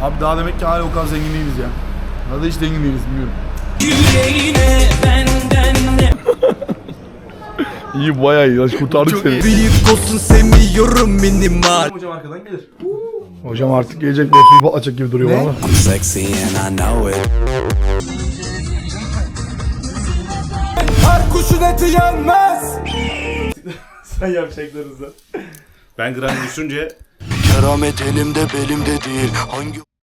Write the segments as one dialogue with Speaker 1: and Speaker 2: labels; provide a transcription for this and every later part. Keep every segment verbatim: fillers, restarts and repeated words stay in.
Speaker 1: Abi daha demek ki hala o kadar zengin değiliz ya. Ya da hiç zengin değiliz bilmiyorum.
Speaker 2: Yüreğine benden ne?
Speaker 1: İyi bayağı iyi. Kurtardık seni.
Speaker 2: Büyük olsun sevmiyorum minimal.
Speaker 1: Hocam arkadan gelir. Hocam artık gelecek bir açık gibi duruyor ama.
Speaker 2: I'm sexy and I know it. Her kuşun eti yenmez.
Speaker 1: Sen yapacaklarınızı.
Speaker 3: Ben gram düşünce
Speaker 2: Keramet elimde belimde değil. Hangi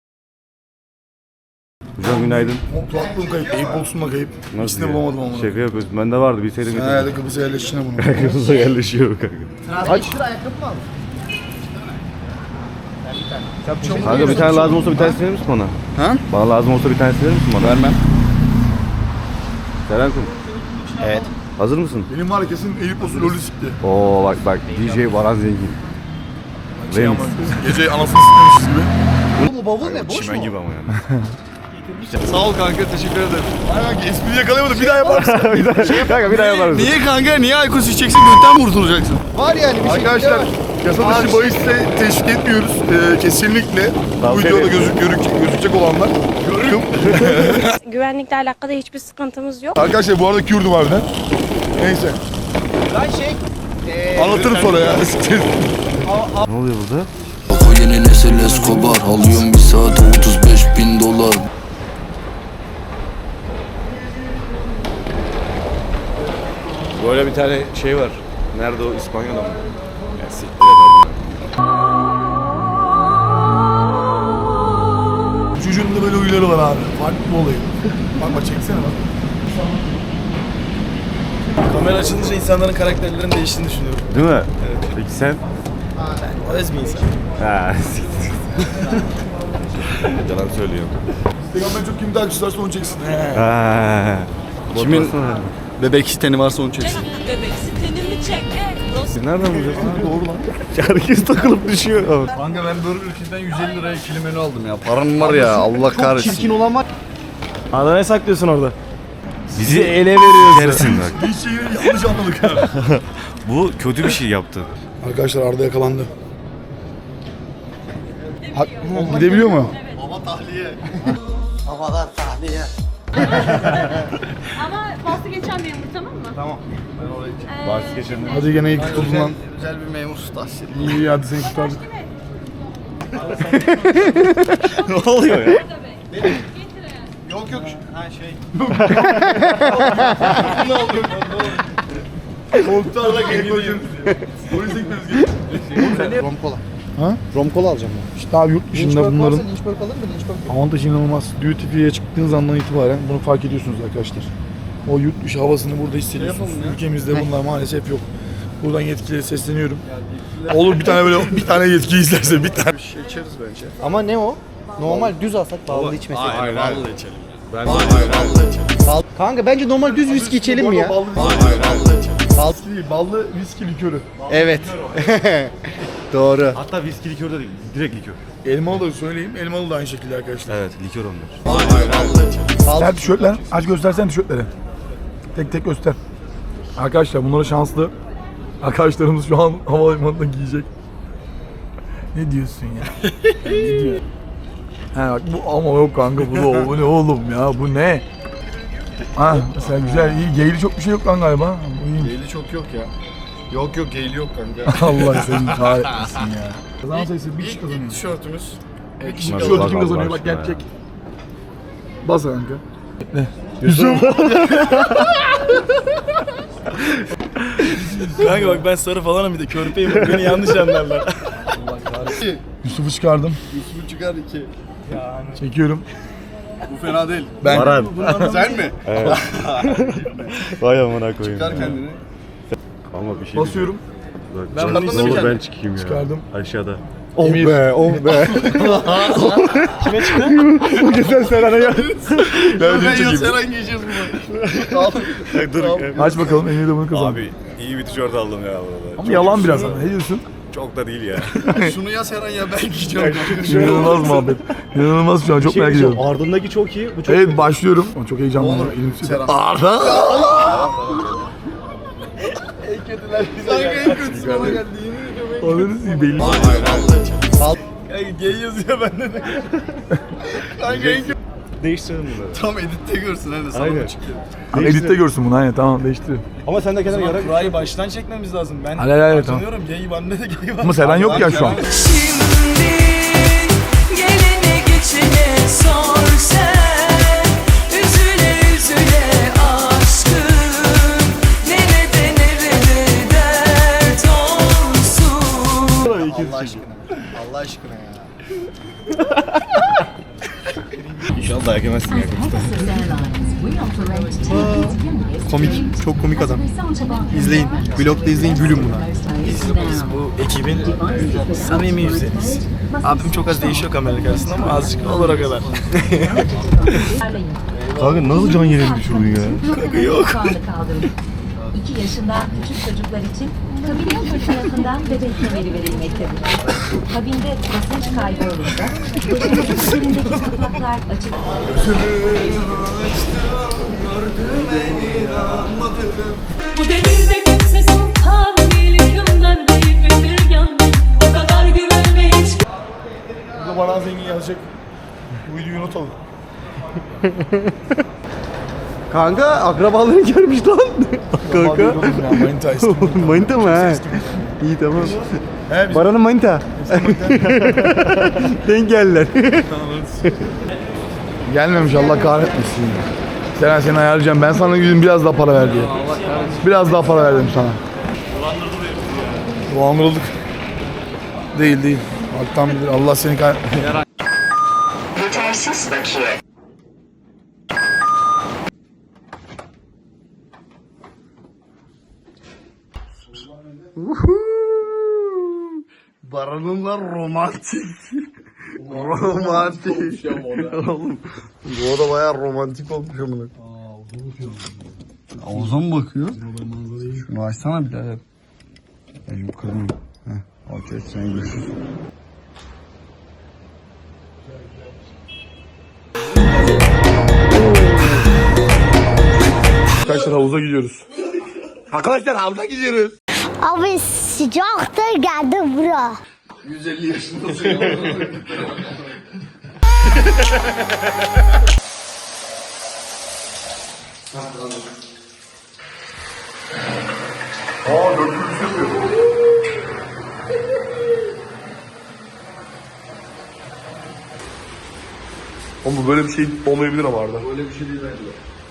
Speaker 3: hocam günaydın.
Speaker 1: Kulaklığım kayıp. Eyüp olsun da kayıp.
Speaker 3: Nasıl
Speaker 1: İkisini
Speaker 3: ya?
Speaker 1: bulamadım ama.
Speaker 3: Şaka yapıyorsun. Bende vardı bir seyre
Speaker 1: Sen
Speaker 3: getirdim.
Speaker 1: herhalde Kıbrıs'a yerleştiğine bunu.
Speaker 3: Kıbrıs'a yerleşiyor kanka.
Speaker 1: Aç.
Speaker 3: Kanka bir tane lazım olsa bir tane verir misin bana?
Speaker 1: Ha?
Speaker 3: Bana lazım olsa bir tane verir misin bana?
Speaker 1: Vermem.
Speaker 3: Selamünaleyküm.
Speaker 1: Evet.
Speaker 3: Hazır mısın?
Speaker 1: Benim var ya kesin Eyüp olsun rolü sikti.
Speaker 3: Oo bak bak D J Baran Zengin.
Speaker 1: Şey ama,
Speaker 3: Remix.
Speaker 1: gece anasını sıkmışız gibi.
Speaker 4: Bu bavul ne? Boş
Speaker 3: Çimen
Speaker 4: mu?
Speaker 3: gibi ama yani.
Speaker 4: Sağ ol kanka, teşekkür ederim.
Speaker 1: Aynen espriyi yakalayamadım. Bir daha yapar mısın?
Speaker 3: bir daha, kanka bir daha yaparız.
Speaker 1: Niye kanka? Niye alkol içeceksin? Gökten mi kurtulacaksın?
Speaker 4: Var yani bir
Speaker 1: Arkadaşlar
Speaker 4: şekilde
Speaker 1: yasa dışı bahiste teşvik etmiyoruz. Ee, kesinlikle bu
Speaker 3: Tavsiye
Speaker 1: videoda
Speaker 3: ederim.
Speaker 1: gözük, görük, gözükecek olanlar. Görüküm.
Speaker 5: Güvenlikle alakalı hiçbir sıkıntımız yok.
Speaker 1: Arkadaşlar bu arada Kürdüm harbiden. Neyse.
Speaker 4: ben şey... Eee...
Speaker 1: Anlatırım sonra ya.
Speaker 3: Ne oluyor burada?
Speaker 2: O yeni nesil Escobar. Alıyorum bir saat otuz beş bin dolar.
Speaker 3: Böyle bir tane şey var. Nerede o? İspanya'da mı? Ya siktir et.
Speaker 1: Çocuğun da böyle huyları var abi. Farklı bir olayı. Bak bak çeksene bak.
Speaker 4: Kamera açılınca insanların karakterlerinin değiştiğini düşünüyorum.
Speaker 3: Değil mi? Evet. Peki sen?
Speaker 4: Öz bir insan.
Speaker 3: Ha siktir. Yalan söylüyorum.
Speaker 1: Instagram'dan çok kim takipçisi varsa onu çeksin.
Speaker 3: Ha.
Speaker 4: Kimin-
Speaker 3: Motivasyon.
Speaker 4: Bebek siteni varsa onu çeksin.
Speaker 5: Bebek sitenimi çek.
Speaker 3: Siz nereden buluyorsun? Doğru lan. Herkes takılıp düşüyor.
Speaker 4: Kanka ben böyle ülkeden yüz elli liraya ikili menü aldım ya. Param var ya, Allah kahretsin. Çirkin olan var.
Speaker 6: Arda ne saklıyorsun orada?
Speaker 3: Bizi
Speaker 6: ele veriyorsun.
Speaker 3: Yersin bak.
Speaker 1: Bir şeyi yanlış anladık ha.
Speaker 3: Bu kötü bir şey yaptı.
Speaker 1: Arkadaşlar Arda yakalandı. Ha, gidebiliyor mu?
Speaker 4: Havalar tahliye.
Speaker 5: Ama faslı geçen bir yumurta tamam mı?
Speaker 4: Tamam.
Speaker 3: Bahsi geçenler.
Speaker 1: Hadi gene iyi kurtuldun lan.
Speaker 4: Güzel bir memur tahsili.
Speaker 1: İyi iyi hadi seni kurtardık.
Speaker 3: Ne oluyor ya?
Speaker 4: Yok yok. Ha şey.
Speaker 1: Muhtarla geliyor. Polis ekmemiz gerekiyor.
Speaker 4: Rom kola.
Speaker 1: Ha?
Speaker 4: Rom kola alacağım ben.
Speaker 1: İşte abi yurt dışında bunların
Speaker 4: Lynchburg alır mı? Lynchburg.
Speaker 1: avantajı inanılmaz. Duty free'ye çıktığınız andan itibaren bunu fark ediyorsunuz arkadaşlar. O yurt dışı havasını burada hissediyorsunuz. Ülkemizde bunlar maalesef yok. Buradan yetkililere sesleniyorum. Olur bir tane böyle bir tane yetkili izlerse bir tane.
Speaker 4: Şey içeriz bence.
Speaker 6: Ama ne o? Normal düz alsak bağlı içmesek.
Speaker 4: Hayır, vallahi içelim.
Speaker 3: Ben
Speaker 4: Hayır, vallahi içelim.
Speaker 6: Kanka bence normal düz viski içelim mi ya?
Speaker 1: Ballı
Speaker 4: Hayır, vallahi içelim.
Speaker 1: viski değil, ballı viski likörü.
Speaker 6: Evet. Doğru.
Speaker 3: Hatta viski likör de değil. Direkt likör.
Speaker 1: Elmalı da söyleyeyim. Elmalı da aynı şekilde arkadaşlar.
Speaker 3: Evet likör onlar.
Speaker 4: Hayır, vallahi içelim.
Speaker 1: Ver tişörtler. Aç göstersen tişörtleri. Tek tek göster. Arkadaşlar bunları şanslı. Arkadaşlarımız şu an havalimanında giyecek. Ne diyorsun ya? ne diyor? He bak bu ama yok kanka bu da o, bu ne oğlum ya bu ne? Ha mesela güzel iyi geyli çok bir şey yok lan galiba. Bu iyiymiş.
Speaker 4: Geyli çok yok ya. Yok yok geyli yok kanka.
Speaker 1: Allah seni kahretmesin ya. Kazanan sayısı bir kişi kazanıyor.
Speaker 4: Tişörtümüz.
Speaker 1: Bir kişi
Speaker 3: Bak,
Speaker 1: tişörtü
Speaker 3: bak,
Speaker 1: kim
Speaker 3: bak,
Speaker 1: kazanıyor
Speaker 3: bak
Speaker 1: bak
Speaker 3: şuna
Speaker 1: gerçek. Bas kanka. Ne? Yusuf.
Speaker 6: Kanka bak ben sarı falanım bir de körpeyim. Beni yanlış anlarlar.
Speaker 4: Allah kahretsin.
Speaker 1: Yusuf'u çıkardım.
Speaker 4: Yusuf'u çıkar iki.
Speaker 1: Çekiyorum.
Speaker 4: Bu fena değil.
Speaker 1: Ben.
Speaker 3: Baran.
Speaker 4: Sen mi?
Speaker 3: Vay amına koyayım.
Speaker 4: Çıkar kendini.
Speaker 3: Ama bir şey
Speaker 1: Basıyorum.
Speaker 3: diyeceğim.
Speaker 4: Ben
Speaker 3: Bak,
Speaker 4: bakmadım
Speaker 3: ne olur
Speaker 4: kendime.
Speaker 3: ben çıkayım ya.
Speaker 1: Çıkardım.
Speaker 3: Aşağıda.
Speaker 1: Oh be, oh be.
Speaker 6: Kime çıktı?
Speaker 1: Bu geçen Serhan'a geldi.
Speaker 4: Ben ya Seren giyeceğiz bunu. Al.
Speaker 3: Dur.
Speaker 1: Aç bakalım Emir de bunu kazandı.
Speaker 3: Abi iyi bir tişört aldım ya burada.
Speaker 1: Ama yalan biraz ama. Ne diyorsun?
Speaker 3: Çok da değil ya.
Speaker 4: Şunu ya Seren ya ben giyeceğim.
Speaker 1: İnanılmaz muhabbet. İnanılmaz şu an çok merak ediyorum.
Speaker 6: Ardındaki çok iyi. Bu çok
Speaker 1: Evet başlıyorum. Ama çok heyecanlıyım.
Speaker 4: Olur.
Speaker 1: Elim titriyor.
Speaker 4: Serhan.
Speaker 1: Arda!
Speaker 4: Sanki en kötüsü bana geldi. Yemin ediyorum en
Speaker 1: Ananı belli.
Speaker 4: Hayır vallahi içelim.
Speaker 6: gay yazıyor bende de. Kanka en kötü.
Speaker 3: Değiştirelim bunları.
Speaker 4: Tam editte görsün hani sana
Speaker 3: Aynen.
Speaker 4: mı çıkıyor?
Speaker 1: Hani editte görsün bunu aynen tamam değiştiriyorum.
Speaker 3: Ama sen de kendine
Speaker 6: Zaman
Speaker 3: yara
Speaker 6: kurayı baştan çekmemiz lazım. Ben
Speaker 1: Hayır, hayır, hayır, tamam.
Speaker 6: tanıyorum. Gay bende de gay var.
Speaker 1: Ama Seren yok ya şu an.
Speaker 7: Şimdi gelene geçene sor sen, üzüle üzüle aşkım, nerede nerede dert olsun.
Speaker 4: Allah aşkına. Allah aşkına ya.
Speaker 3: İnşallah dayak yemezsin ya.
Speaker 8: Komik, çok komik adam. İzleyin, vlogda izleyin, gülün buna.
Speaker 6: Biz bu ekibin samimi yüzleriyiz. Abim çok az değişiyor kamera karşısında ama azıcık olur o kadar.
Speaker 3: Kanka nasıl can yerini düşürdün ya?
Speaker 6: Yok.
Speaker 9: iki yaşından küçük çocuklar için kabin motor tarafından bebek kemeri verilmektedir. Kabinde basınç kaybı olursa başımızın üzerindeki kapaklar açık.
Speaker 7: Bu devirde kimse sultan değil, hükümdar değil, bir yandım. O kadar güvenme hiç.
Speaker 1: Burada bana zengin yazacak. Bu videoyu unutalım.
Speaker 8: Kanka akrabalarını görmüş lan. Kanka.
Speaker 1: Manita eski.
Speaker 8: Manita mı ha? İyi tamam.
Speaker 1: He biz
Speaker 8: Baran'ın manita. Denk geldiler.
Speaker 1: gelmemiş Allah kahretmesin. Seren seni ayarlayacağım. Ben sana yüzüm biraz daha para ver diye. Biraz daha para verdim sana. Dolandırıldık. Değil değil. Alttan bilir. Allah seni kahretmesin.
Speaker 9: Yetersiz bakiye.
Speaker 4: Baran'ınla romantik. Romantik. Oğlum. Bu oda bayağı romantik olmuş amına. Havuza mı bakıyor? Şunu açsana birader. Ya şimdi kırmayayım. Heh. Okey sen görüşürüz.
Speaker 1: Arkadaşlar havuza gidiyoruz. Arkadaşlar havuza gidiyoruz.
Speaker 10: Abi sıcaktır geldi bura.
Speaker 4: yüz elli yaşındasın.
Speaker 1: Aa dört yüz yapıyor. Oğlum bu böyle bir şey olmayabilir ama Arda.
Speaker 4: Öyle bir şey değil bence.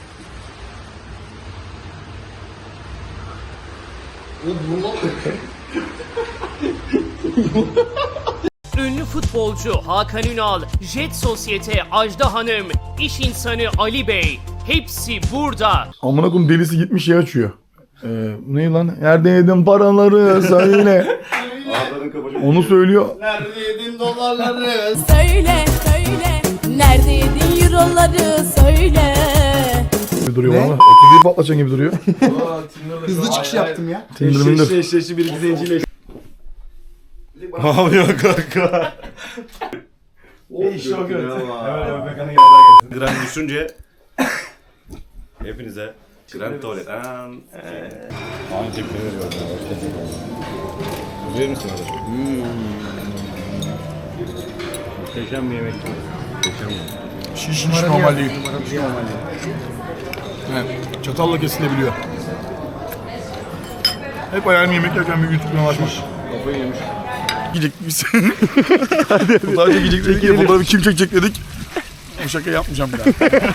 Speaker 11: Ünlü futbolcu Hakan Ünal, Jet Sosyete Ajda Hanım, iş insanı Ali Bey, hepsi burada.
Speaker 1: Amına koyayım delisi gitmiş şey açıyor. Ee, ne lan? Nerede yedin paraları söyle. Onu söylüyor.
Speaker 4: Nerede yedin dolarları?
Speaker 7: Söyle söyle, nerede yedin euroları söyle.
Speaker 1: Duruyor valla. otuz bir patlatacaksın gibi duruyor.
Speaker 8: Hızlı çıkış yaptım ya.
Speaker 1: Tinder minder.
Speaker 6: Eşleşti bir iki zenciyle. Ne yapıyor kanka? İşte o görüntü. Hemen Öbekan'ın yanına gelsin.
Speaker 3: Grand düşünce hepinize Grand Tuvalet. Aynı tepki veriyorum. Güzel misin kardeşim? Muhteşem bir yemek. Muhteşem bir yemek.
Speaker 1: Şiş şiş normal değil. Evet, çatalla kesilebiliyor. Hep ayağını yemek yerken bir YouTube kanalı açmış.
Speaker 3: Kafayı yemiş.
Speaker 1: Yiyecek misin? Fotoğraf çekecek dedik ya, fotoğrafı kim çekecek dedik. Bu şaka yapmayacağım bir daha.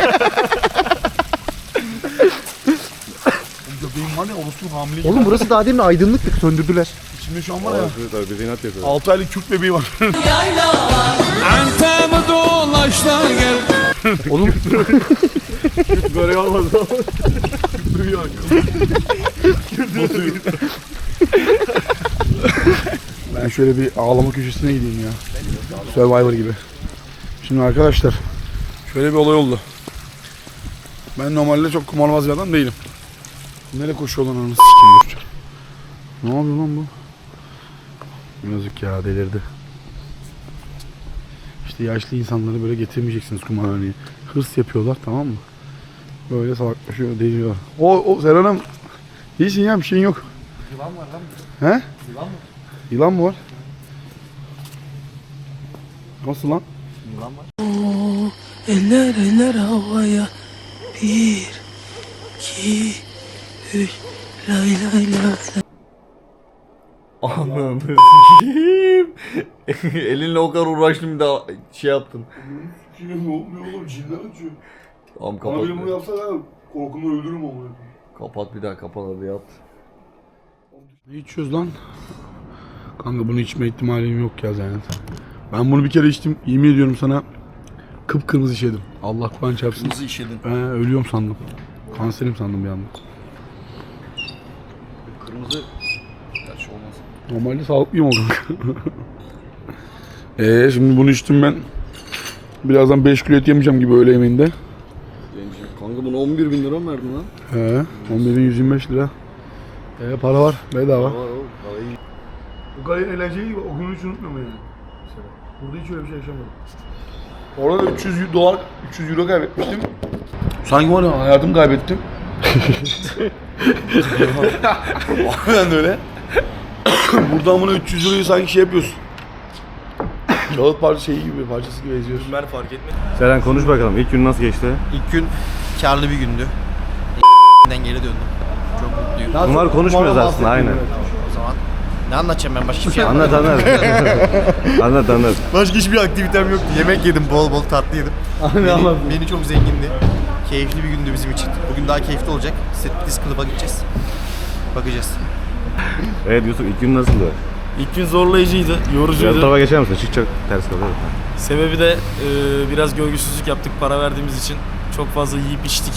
Speaker 1: Göbeğim var ya, orospu hamile gibi.
Speaker 8: Oğlum burası daha demin aydınlıktık, söndürdüler.
Speaker 1: İçimde şu an var ya,
Speaker 3: Tabii bizi inat yapıyor.
Speaker 1: altı aylık Kürt bebeği var.
Speaker 7: Antemi dolaşlar gel.
Speaker 8: Oğlum
Speaker 3: Böyle olmaz.
Speaker 1: Duyuyor. Bozuyor. Ben şöyle bir ağlama köşesine gideyim ya. Survivor gibi. Şimdi arkadaşlar şöyle bir olay oldu. Ben normalde çok kumarbaz bir adam değilim. Nereye koşuyor lan anasını sikeyim dur. Ne yapıyor lan bu? Yazık ya, delirdi. İşte yaşlı insanları böyle getirmeyeceksiniz kumarhaneye. Hırs yapıyorlar, tamam mı? Böyle salaklaşıyor, deliyor. O, o Seren'im iyisin ya, bir şeyin yok.
Speaker 8: yılan var lan.
Speaker 1: He?
Speaker 8: Yılan mı?
Speaker 1: Yılan mı var? Nasıl lan?
Speaker 6: Eller eller havaya. Bir, iki, üç. Lay lay lay.
Speaker 3: Ananı sikeyim. Elinle o kadar uğraştım bir daha şey yaptın.
Speaker 1: Ne olmuyor oğlum? Cinler açıyor.
Speaker 3: Tamam
Speaker 1: Bana
Speaker 3: kapat.
Speaker 1: biri bunu yapsa ben korkumdan öldürürüm onu.
Speaker 3: Kapat bir daha kapat hadi yat.
Speaker 1: Ne içiyoruz lan? Kanka bunu içme ihtimalim yok ya zaten. Ben bunu bir kere içtim. Yemin ediyorum sana kıpkırmızı işedim. Allah Kur'an çarpsın.
Speaker 4: Kırmızı işedin.
Speaker 1: Ben ölüyorum sandım. Kanserim sandım bir anda.
Speaker 4: Kırmızı. Gerçi olmaz.
Speaker 1: Normalde sağlıklıyım o kanka. Eee şimdi bunu içtim ben. Birazdan beş kilo et yemeyeceğim gibi öğle yemeğinde.
Speaker 4: Kanka bunu on bir bin lira mı verdin lan?
Speaker 1: He, on bin yüz yirmi beş lira. Ee, para var, bedava.
Speaker 4: Var oğlum. Parayı.
Speaker 1: Bu kadar eğlenceli o günü hiç unutmuyorum yani. Mesela. Burada hiç öyle bir şey yaşamadım. Orada da üç yüz dolar, üç yüz euro kaybetmiştim. Sanki var ya hayatımı kaybettim. Aynen öyle. Buradan buna üç yüz euroyu sanki şey yapıyorsun. Kağıt parça şeyi gibi, parçası gibi eziyorsun.
Speaker 8: Ben fark etmedim.
Speaker 3: Seren konuş bakalım. İlk gün nasıl geçti?
Speaker 8: İlk gün karlı bir gündü. Den geri döndüm. Çok mutluyum.
Speaker 3: Bunlar konuşmuyoruz aslında aynen.
Speaker 8: O zaman ne anlatacağım ben başka bir şey
Speaker 3: Anlat anlat. Anlat anlat.
Speaker 8: Başka hiçbir aktivitem yoktu. Yemek yedim, bol bol tatlı yedim. Beni, beni çok zengindi. Keyifli bir gündü bizim için. Bugün daha keyifli olacak. Striptease Club'a gideceğiz. Bakacağız.
Speaker 3: Evet Yusuf ilk gün nasıldı?
Speaker 6: İlk gün zorlayıcıydı,
Speaker 3: Biraz
Speaker 6: yorucuydu.
Speaker 3: tarafa geçer misin? Çık çok ters kalıyor.
Speaker 6: Sebebi de e, biraz gölgesizlik yaptık para verdiğimiz için. Çok fazla yiyip içtik.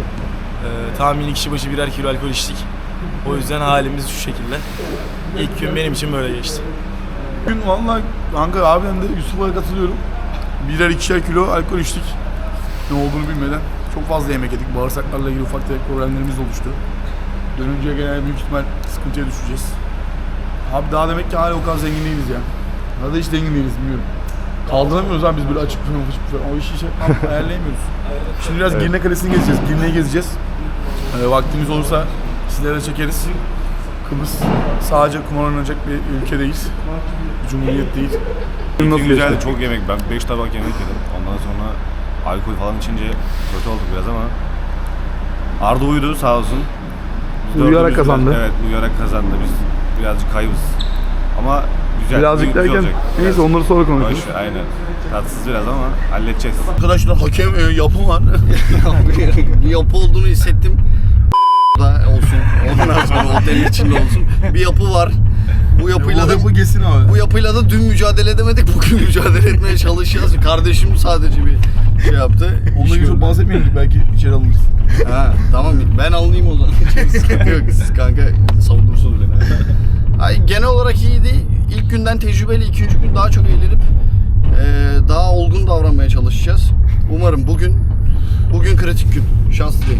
Speaker 6: E, tahmini kişi başı birer kilo alkol içtik. O yüzden halimiz şu şekilde. İlk gün benim için böyle geçti.
Speaker 1: Bugün valla kanka abiden de Yusuf'a katılıyorum. Birer ikişer kilo alkol içtik. Ne olduğunu bilmeden. Çok fazla yemek yedik. Bağırsaklarla ilgili ufak tefek problemlerimiz oluştu. Dönünce gene büyük ihtimal sıkıntıya düşeceğiz. Abi daha demek ki hala o kadar zengin değiliz ya. Ya da hiç zengin değiliz bilmiyorum. Kaldıramıyoruz abi biz böyle açık falan açık falan. O işi şey ayarlayamıyoruz. Şimdi biraz Girne Kalesi'ni gezeceğiz. Girne'yi gezeceğiz. Ee, vaktimiz olursa sizlere de çekeriz. Kıbrıs sadece kumar oynanacak bir ülkedeyiz. Bir cumhuriyet değil.
Speaker 3: Nasıl güzeldi, çok yemek. Ben beş tabak yemek yedim. Ondan sonra alkol falan içince kötü olduk biraz ama Arda uyudu sağ olsun. Biz
Speaker 1: Uyuyarak
Speaker 3: dördümüz
Speaker 1: kazandı.
Speaker 3: Biraz, evet uyuyarak kazandı. Biz birazcık kaybız. Ama güzel.
Speaker 1: Birazcık
Speaker 3: güzel
Speaker 1: derken
Speaker 3: olacak.
Speaker 1: neyse onları sonra konuşuruz.
Speaker 3: Boş, aynen. Tatsız biraz ama halledeceğiz.
Speaker 1: Arkadaşlar hakem e, yapım var.
Speaker 4: Bir yapı olduğunu hissettim. Da olsun. Ondan sonra otelin içinde olsun. Bir yapı var. Bu yapıyla da
Speaker 1: bu geçsin abi.
Speaker 4: bu yapıyla da dün mücadele edemedik. Bugün mücadele etmeye çalışacağız. Kardeşim sadece bir şey yaptı.
Speaker 1: Onunla ilgili çok bahsetmeyelim belki içeri alınırız.
Speaker 4: Ha tamam ben alınayım o zaman. Hiç sıkıntı yok. Siz kanka savunursunuz beni. Ay, genel olarak iyiydi. İlk günden tecrübeli, ikinci gün daha çok eğlenip e, daha olgun davranmaya çalışacağız. Umarım bugün bugün kritik gün. Şanslıyım.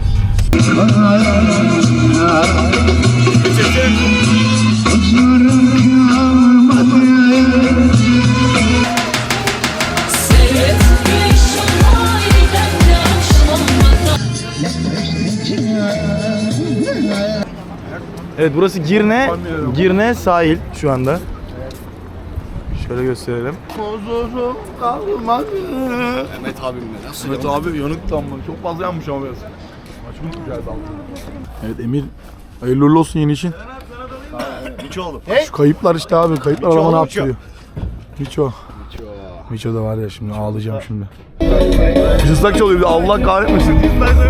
Speaker 6: Evet burası Girne, Girne sahil şu anda. Şöyle gösterelim.
Speaker 1: Huzurum kalmadı.
Speaker 4: Mehmet abimle nasıl?
Speaker 1: Evet abi yanık tam lan. Çok fazla yanmış ama biraz. Açmış güzel dalga. Evet Emir. Hayırlı uğurlu olsun yeni işin.
Speaker 8: Miço oğlum.
Speaker 1: Şu kayıplar işte abi. Kayıplar adama ne yaptırıyor? Miço. Miço da var ya şimdi ağlayacağım şimdi. Cızlak çalıyor bir de Allah kahretmesin.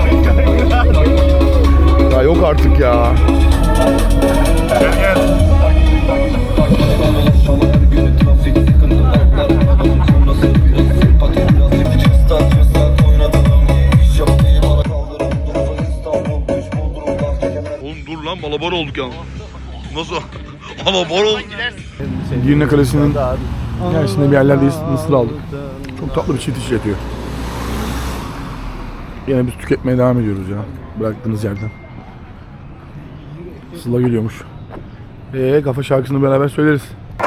Speaker 1: Ya yok artık ya. Oğlum dur lan balabar olduk ya. Nasıl? Balabar olduk. Girne Kalesi'nin içerisinde bir yerlerdeyiz. Mısır aldık. Çok tatlı bir çift işletiyor. Yine biz tüketmeye devam ediyoruz ya. Bıraktığınız yerden. Sıla geliyormuş. Eee kafa şarkısını beraber söyleriz.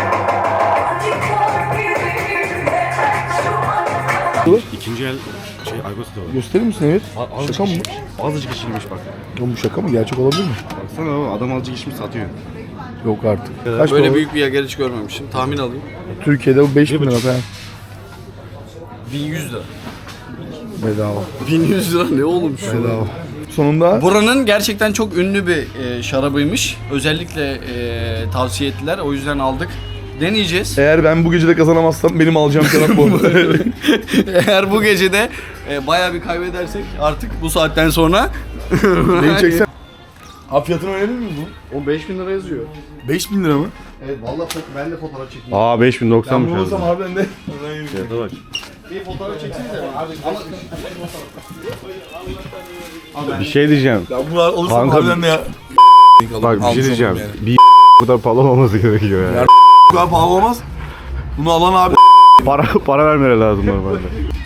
Speaker 3: İkinci el şey alkol satıyor.
Speaker 1: Gösterir misin evet? Şaka mı?
Speaker 3: Azıcık içilmiş bak.
Speaker 1: Oğlum bu şaka mı? Gerçek olabilir mi?
Speaker 3: Baksana oğlum adam azıcık içmiş satıyor.
Speaker 1: Yok artık. Kaç
Speaker 4: Böyle
Speaker 1: para?
Speaker 4: büyük bir yer hiç görmemiştim. Tahmin alayım.
Speaker 1: Türkiye'de bu beş bin lira falan.
Speaker 4: bin yüz lira.
Speaker 1: Bedava.
Speaker 4: bin yüz lira ne oğlum şu?
Speaker 1: Bedava. Sonunda
Speaker 4: Buranın gerçekten çok ünlü bir e, şarabıymış. Özellikle e, tavsiye ettiler. O yüzden aldık. Deneyeceğiz.
Speaker 1: eğer ben bu gece de kazanamazsam benim alacağım şarap bu.
Speaker 4: Eğer bu gece de e, bayağı bir kaybedersek artık bu saatten sonra
Speaker 1: Beni çeksen. Abi fiyatını öğrenir miyiz bu?
Speaker 4: o beş bin lira yazıyor.
Speaker 1: beş bin lira mı?
Speaker 4: Evet vallahi ben de fotoğraf çekeyim.
Speaker 8: Aa beş bin
Speaker 1: Ben
Speaker 8: doksanmış
Speaker 1: bunu olsam
Speaker 8: abi.
Speaker 1: harbiden de.
Speaker 8: Fiyata bak.
Speaker 4: Bir fotoğraf çeksenize.
Speaker 8: Bir şey diyeceğim.
Speaker 1: Ya bunu alırsam
Speaker 8: Kanka-
Speaker 1: harbiden de ya.
Speaker 8: Bak bir şey diyeceğim. Bir burada pahalı olması gerekiyor yani.
Speaker 1: Bu kadar pahalı olmaz. Bunu alan abi.
Speaker 8: Para para vermeleri lazım normalde.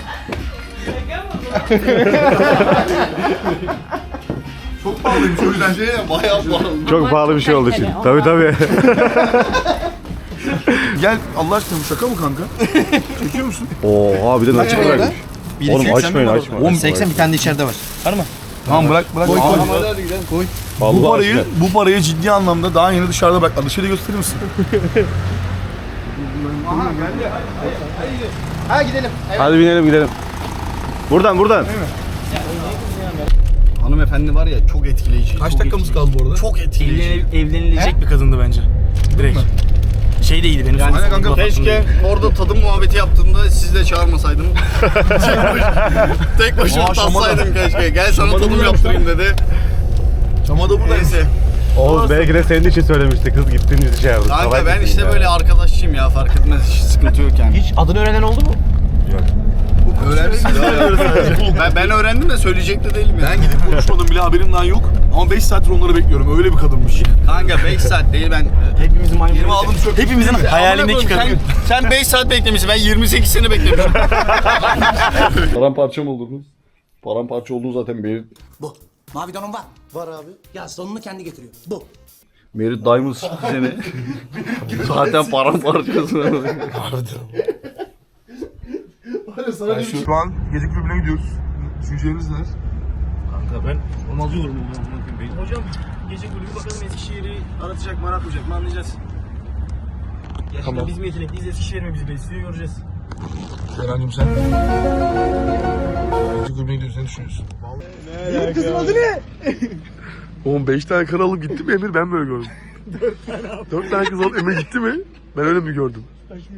Speaker 1: Çok pahalıymış o yüzden.
Speaker 4: Şey ya, bayağı pahalı.
Speaker 8: Çok pahalı bir şey oldu şimdi. Tabii tabii.
Speaker 1: Gel Allah aşkına bu şaka mı kanka? Çekiyor musun?
Speaker 8: Oha bir de nakit bırakmış. Oğlum açmayın açma.
Speaker 1: Oğlum
Speaker 8: seksen
Speaker 6: bir tane de içeride var.
Speaker 1: Tamam bırak bırak. Koy,
Speaker 4: Tamam hadi hadi gidelim koy.
Speaker 1: bu
Speaker 8: Vallahi
Speaker 1: parayı
Speaker 8: açma.
Speaker 1: bu parayı ciddi anlamda daha yeni dışarıda bırak. Dışarıda gösterir misin?
Speaker 4: Ha gidelim.
Speaker 8: Hadi binelim gidelim. Buradan buradan.
Speaker 4: Hanımefendi var ya çok etkileyici.
Speaker 1: Kaç dakikamız kaldı bu arada?
Speaker 4: Çok etkileyici.
Speaker 6: Evlenil- evlenilecek bir kadındı bence. Direkt. Şey de iyiydi benim.
Speaker 4: Yani
Speaker 6: son-
Speaker 1: kanka,
Speaker 6: son-
Speaker 4: Keşke orada tadım muhabbeti yaptığımda sizi de çağırmasaydım. Tek başıma
Speaker 1: Aa, şamata.
Speaker 4: tatsaydım keşke. Gel sana
Speaker 1: Şamata
Speaker 4: tadım
Speaker 1: burada
Speaker 4: yaptırayım dedi.
Speaker 1: Çamada burada.
Speaker 4: Neyse.
Speaker 8: Oğuz belki de senin için söylemişti. Kız gittiğiniz şey yaptı.
Speaker 4: Kanka ben işte böyle arkadaşçıyım ya fark etmez hiç sıkıntı yok yani.
Speaker 6: Hiç adını öğrenen oldu mu?
Speaker 1: Öğrendim.
Speaker 4: Ben, ben öğrendim de söyleyecek de değilim
Speaker 1: Ben
Speaker 4: yani.
Speaker 1: gidip konuşmadım bile haberim daha yok. Ama beş saattir onları bekliyorum. Öyle bir kadınmış.
Speaker 4: Kanka beş saat değil ben.
Speaker 6: Hepimizin maymun.
Speaker 1: Yirmi aldım çöp.
Speaker 6: Hepimizin hayalindeki
Speaker 4: Sen,
Speaker 6: kadın.
Speaker 4: sen beş saat beklemişsin ben yirmi sekiz sene beklemişim.
Speaker 1: Paramparça mı oldunuz? Paramparça olduğu zaten belli.
Speaker 12: Bu. Mavi donum var. Var abi. Ya sonunu kendi getiriyor. Bu.
Speaker 4: Merit Diamond çıktı seni. Zaten paramparçasın.
Speaker 1: Ben şu, şu an gece kulübüne gidiyoruz. Düşünceleriniz neler?
Speaker 6: Kanka ben onu alıyorum. Hocam gece kulübü bakalım Eskişehir'i aratacak mı aratmayacak mı anlayacağız. Gerçekten
Speaker 1: Tamam.
Speaker 6: biz mi yetenekliyiz Eskişehir mi bizi besliyor göreceğiz.
Speaker 1: Serencim sen? Gece kulübüne gidiyoruz. Ne düşünüyorsun? Ne kızın adı ne? Oğlum beş tane karı alıp gitti mi Emir? Ben böyle gördüm. Dört tane abi. Dört tane kız alıp Emir gitti mi? Ben öyle mi gördüm?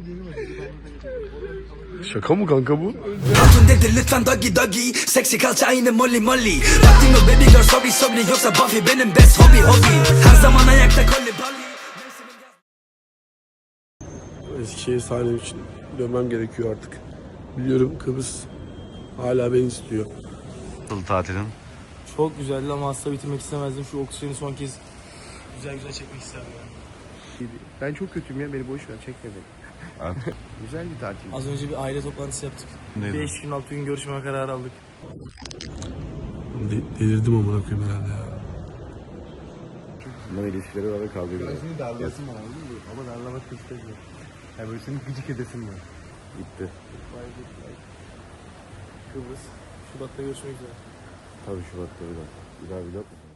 Speaker 1: Şaka mı kanka bu?
Speaker 12: Hatun dedi lütfen doggy doggy. Seksi kalça aynı molly molly. Vaktin o baby girl sorry sorry. Yoksa Buffy benim best hobby hobby. Her zaman ayakta kolli bolly.
Speaker 1: Eskişehir sahnem için dönmem gerekiyor artık. Biliyorum Kıbrıs hala beni istiyor.
Speaker 8: Nasıl tatilin?
Speaker 6: Çok güzeldi ama asla bitirmek istemezdim. Şu oksijeni son kez güzel güzel çekmek isterdim yani.
Speaker 8: Ben çok kötüyüm ya beni boş ver çekme beni. Güzel bir tatil.
Speaker 6: Az önce bir aile toplantısı yaptık. beş gün altı gün görüşme kararı aldık.
Speaker 1: De- delirdim amına koyayım herhalde ya.
Speaker 8: Bunlar ilişkileri var ve kavga ediyor. Ben seni darlasın bana değil mi? Ama darlamak istemiyorum. Yani böyle senin gıcık edesin var. Gitti.
Speaker 6: Kıbrıs. Şubat'ta görüşmek üzere.
Speaker 8: Tabii Şubat'ta bir daha. Bir daha vlog mu?